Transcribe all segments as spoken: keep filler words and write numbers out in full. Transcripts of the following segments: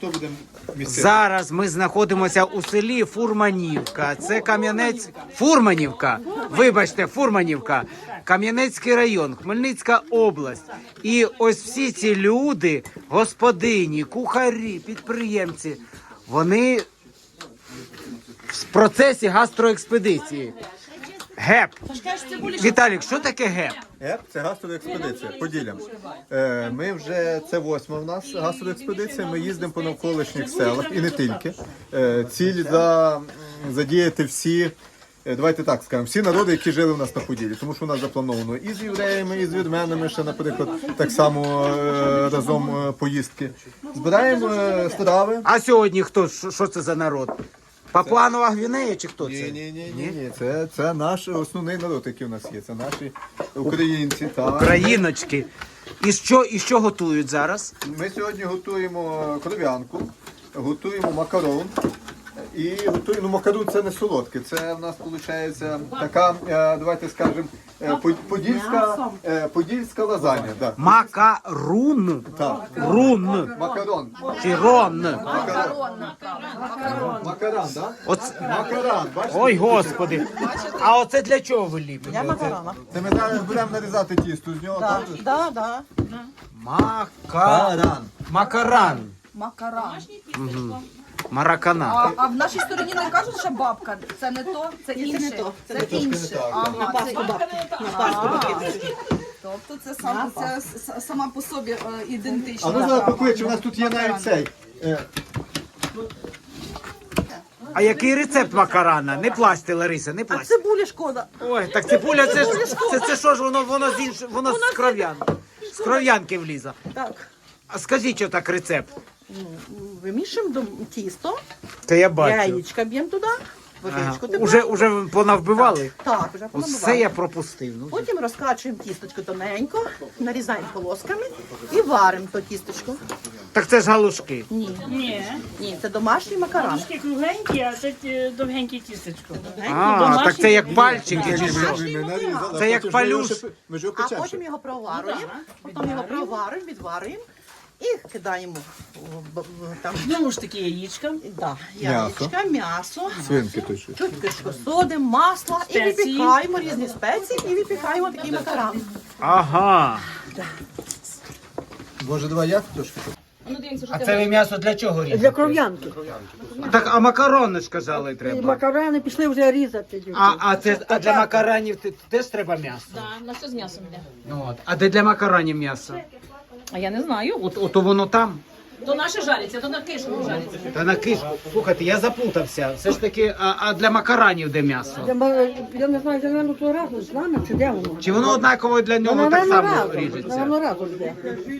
Хто буде місцевий? Зараз ми знаходимося у селі Фурманівка. Це Кам'янець... Фурманівка. Вибачте, Фурманівка. Кам'янецький район, Хмельницька область. І ось всі ці люди, господині, кухарі, підприємці, вони в процесі гастроекспедиції. ГЕП. Віталік, що таке ГЕП? ГЕП – це гастроекспедиція, Поділля. Е, Ми вже, це восьма в нас гастроекспедиція, ми їздимо по навколишніх селах і не тільки. Е, Ціль за, задіяти всі, е, давайте так скажемо, всі народи, які жили в нас на Поділлі. Тому що у нас заплановано і з євреями, і з вірменами, ще, наприклад, так само е, разом е, поїздки. Збираємо е, страви. А сьогодні хто? Що що це за народ? Папуанова Гвінея чи хто це? Ні, ні, ні, ні, ні. Це, це наш основний народ, який у нас є. Це наші українці. Так. Україночки. І що, і що готують зараз? Ми сьогодні готуємо кров'янку, готуємо макарон. І готуємо, ну, макарон це не солодке, це в нас виходить така, е, давайте скажемо, е, по- подільська, е, подільська лазанья. Да. Макарун. Так. Рун. Макарон. Чи рон. Макарон. Макарон, так? Оце... Макарон, бачите? Ой, господи. А оце для чого ви ліпите? Я макарона. Це ми зараз будемо нарізати тісто з нього. Так, так? да, да. Мака... Макаран. Макаран. Маракана. А, а в нашій стороні не кажуть, що бабка. Це не то, це Ні, це інше. не то, це Це не то. інше. На Ага, паску це... бабки. На паску бабки. Тобто це, сам, це с- сама по собі е, ідентична. А ми зараз страва. покличемо, у нас тут є навіть цей. е, А який рецепт макарана? Не плачте, Лариса, не А плачте. цибулі шкода. Ой, так цибуля, це ж це, це що ж воно, воно з інш... воно з кров'янки. З кров'янки вліза. Так, А скажіть, що так рецепт? вимішуємо до тісто, Та я бачу. яєчка б'ємо туди, Ага. водичку тепер. Уже, уже понавбивали? Так, вже Оце понабивали. я пропустив. Ну, Потім розкачуємо тісточко тоненько, нарізаємо полосками і варимо то тісточко. так це ж галушки. Ні, Ні, ні, це домашній макарон. трошки кругленькі, а це е, довгеньке тістечко. А, так це як пальчики чи що? Ми нарізали, Це а як потім палюш. ми його ще- Ми ж його А печемо. потім його проварюємо, потім його проварюємо, відварюємо і кидаємо в- в- в- там, Знову ж таки яєчка. да, М'ясо. яєчка, м'ясо. Свинки то що. Чутки содим, масло і Спеції. випікаємо різні спеції і випікаємо такий макарон. Ага. Боже, давай я трошки. А це ви м'ясо для чого різати? Для кров'янки. Так, а макарони ж казали І треба. макарони пішли вже різати. А, а, це, а для макаронів те- теж треба м'ясо? Так, на все з м'ясом йде. Ну, от. А де для макаронів м'ясо? А я не знаю. От, от воно там. То наше жариться, то на кишу жариться. Та на киш. Слухайте, я заплутався. Все ж таки, а, а для макаронів де м'ясо? Я, ма- я не знаю, я наверное, то разом з нами, чи де воно? Чи воно однаково для нього так Наверно, само разом. ріжеться? Наверно, разом йде.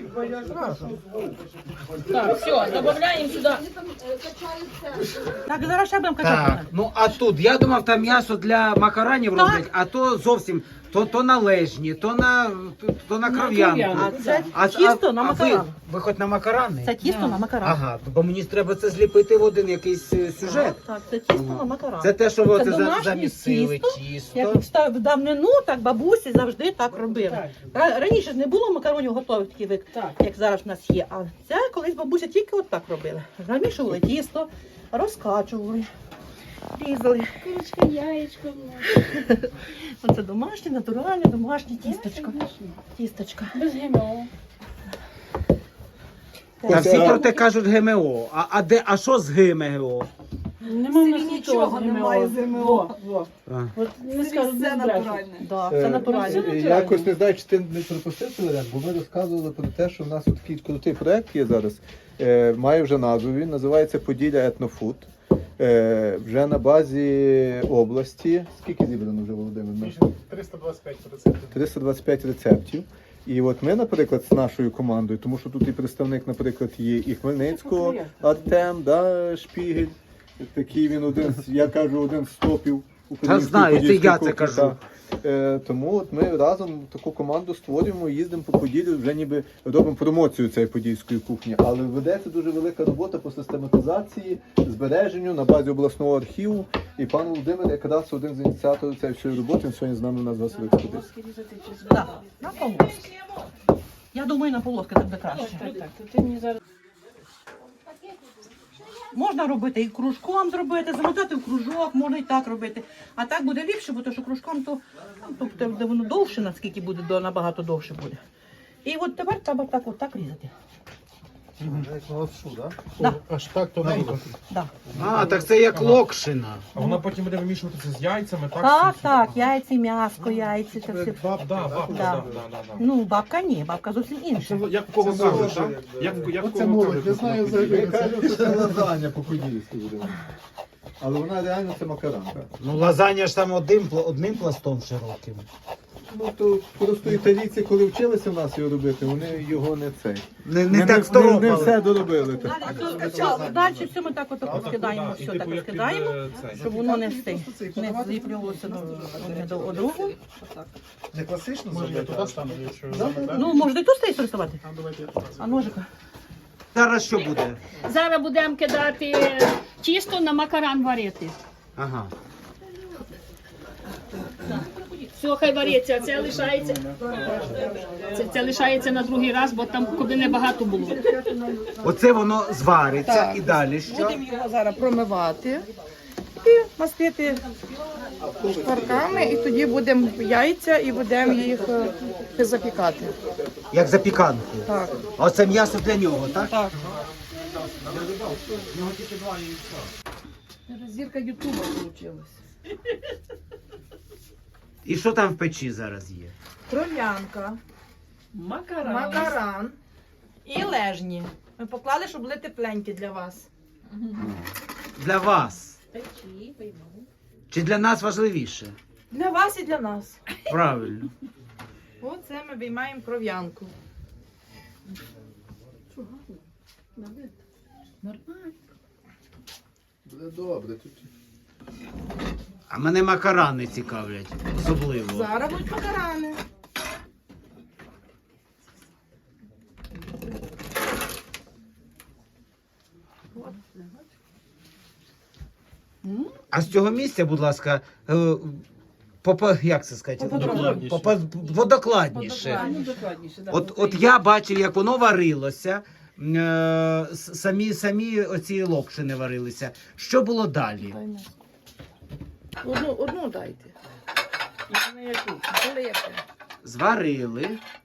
Так, все, додаємо сюди. Так, зараз ще будемо качати. Так, ну а тут, я думав, там м'ясо для макаронів роблять, а то зовсім, то, то на лежні, то на, то, то на кров'янку. А це А, тісто на а ви, макарон. ви хоч на макарони? Це тісто на макарон. Ага, бо мені ж треба це зліпити в один якийсь е, сюжет. Так, це тісто на макарон. Це те, що ви Це оце за- домашнє замісили тісто. тісто. Як в давнину, так бабусі завжди так робили. Ра- Раніше ж не було макаронів готових таких, як, Так. як зараз в нас є. А це колись бабуся тільки от так робили. Замішували тісто, розкачували, різали. Курочка, яєчко. Оце домашнє, натуральне, домашнє тісточко. Тісточка. Без ГМО. Та всі про те кажуть ГМО. А, а, де, а що з ГМО? Нема в нас Нічого нічого з немає з ГМО. ГМО. Во, во. А. От не скажу, Це не натуральне. Да, це натуральне. Е, Якось не знаю, чи ти не пропустив цей варіант, бо ми розказували про те, що в нас такий крутий проєкт є зараз. Е, має вже назву, він називається Поділля Етнофуд. Е, вже на базі області. Скільки зібрано вже, Володимир? триста двадцять п'ять рецептів. триста двадцять п'ять рецептів. І от ми, наприклад, з нашою командою, тому що тут і представник, наприклад, є і Хмельницького, Артем, да, Шпігель. Такий він один, з- я кажу, один з топів української знаю, це подільської я це кухні, кажу. так. Е, тому от ми разом таку команду створюємо, їздимо по Поділлю, вже ніби робимо промоцію цієї подільської кухні. Але ведеться дуже велика робота по систематизації, збереженню на базі обласного архіву. І пан Володимир якраз один з ініціаторів цієї всієї роботи, він сьогодні з нами на вас в експедиції. Да, на полоски. Я думаю, на полоски це буде краще. Так, так, то ти мені зараз... Можна робити і кружком зробити, замотати в кружок, можна і так робити. А так буде ліпше, бо то, що кружком, то, ну, тобто, де воно довше, наскільки буде, до- набагато довше буде. І от тепер треба так, от так різати. Як на лапшу, так? Да. Аж так тоненько. Да. А, так це як локшина. А вона потім буде вимішуватися з яйцями, так? Так, так, яйці, м'яско, яйці, це все. Да, бабка, Да. да, да, да, да. Ну, бабка ні, бабка зовсім інша. Як в кого кажуть, так? Як, як в Оце кого молодь, кажуть, я знаю на взагалі. події. Ми кажемо, що це лазанья по-подільськи буде. Але вона реально це макаранка. Ну, лазанья ж там одним, пла- одним пластом широким. Ну то просто італійці, коли вчилися в нас його робити, вони його не цей. Не, Не, не так не, не сторопали. все доробили. так. Далі все ми так от А, розкидаємо, і все типу, так як під, розкидаємо, е, цей. щоб воно не встиг, не зліплювалося до одне до одного. Не класично зробити? Я туди стану, якщо Ну, можна і тут стоїть рисувати, А давайте я а ножика. Зараз що буде? Зараз будемо кидати тісто на макаран варити. Ага. Все, хай вариться, а це лишається. Це, це лишається на другий раз, бо там куди небагато було. Оце воно звариться Так. і далі що? Будемо його зараз промивати і мастити шкварками, і тоді будемо яйця і будемо їх е, запікати. Як запіканку. Так. А оце м'ясо для нього, так? Так. Зірка Ютуба вийшла. І що там в печі зараз є? Кров'янка, Макарон. макаран і лежні. Ми поклали, щоб були тепленькі для вас. Для вас. Чи для нас важливіше? Для вас і для нас. Правильно. Оце ми виймаємо кров'янку. Буде добре. Тут А мене макарани цікавлять. Особливо. Зараз будуть макарани. А з цього місця, будь ласка, е, попа, як це сказати? Поподробніше. Попа, водокладніше. Ну, докладніше, да. От, от я бачив, як воно варилося. е, с- Самі, самі оці локшини варилися. Що було далі? Одну, одну дайте. Полити. Зварили.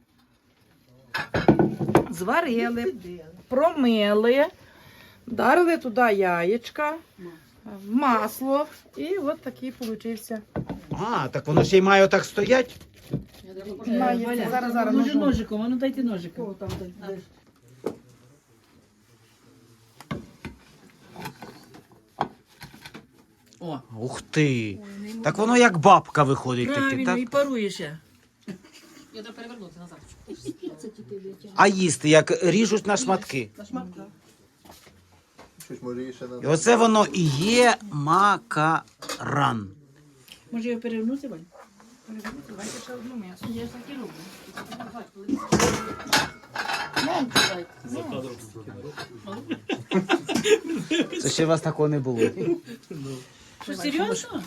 Зварили, промили, вдарили туди яєчка, масло, і от такий получився. А, так воно ще й має отак стоять. Має. Зараз, зараз. Може ножом. ножиком, а ну дайте ножиком. О, Ух ти. Так воно як бабка виходить таки, правильно, так? і паруєше. А їсти, як ріжуть на шматки. Щось може її ще І на оце воно і є макаран. Може його перевернути, Вань? Давайте ще одну м'ясо. Я так і роблю. Це ще у вас такого не було. Що, серйозно?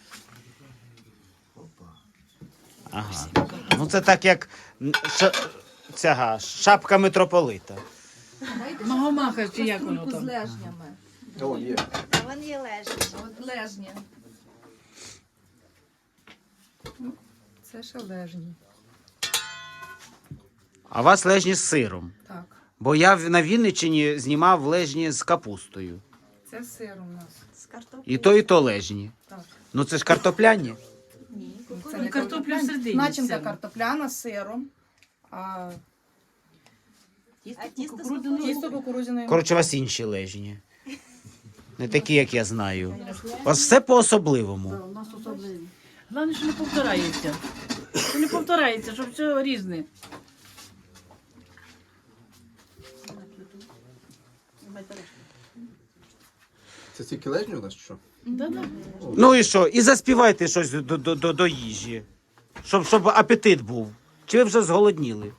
Ага. Ну це так як м, ша, цяга, шапка митрополита. Магомаха, чи як воно Кульку з там? лежнями. О, є. Вон є лежні. От лежні. Це ще лежні. А у вас лежні з сиром. Так. Бо я в- на Вінниччині знімав лежні з капустою. Це сир у нас. З картоплею. І то, і то лежні. Так. Ну це ж картопляні. Це Ну, картопля всередині. Начинка все. картопляна з сиром, а А тісто тісто кукурудзяної. Коротше, у вас інші лежні. Не такі, як я знаю. У вас все по-особливому. У нас особливі. Головне, що не повторається. Що не повторається, щоб все різне. Це тільки лежні у нас чи що? Да-да. Ну і що? І заспівайте щось до, до, до, до їжі. Щоб, щоб апетит був. Чи ви вже зголодніли?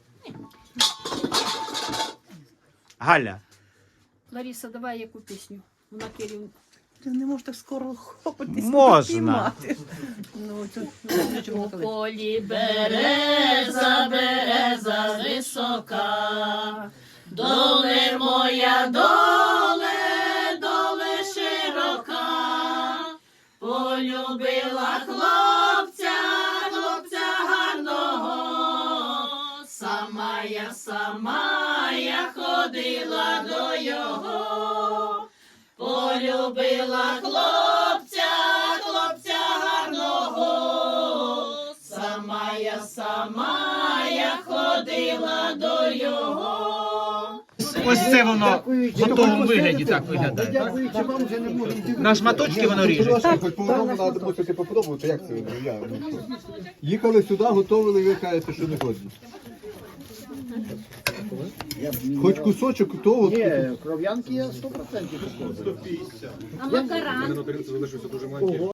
Галя. Лариса, давай яку пісню. Вона керівник. Ти не можеш так скоро хопитись. Можна. Ну, це, У полі береза, береза висока, доле моя, доле, хлопця, хлопця гарного, сама я, сама я ходила до його, полюбила хлопця, хлопця гарного, сама я, сама я ходила до його. Ось це воно в готовому вигляді так виглядає. На шматочки воно ріжеться. Хоч по-новому треба мусити попробувати, як це я. ну, що. Їхали сюди, готували, ви кажете, що не годні. Хоч кусочок, то от. Кров'янки є сто відсотків. А макаран?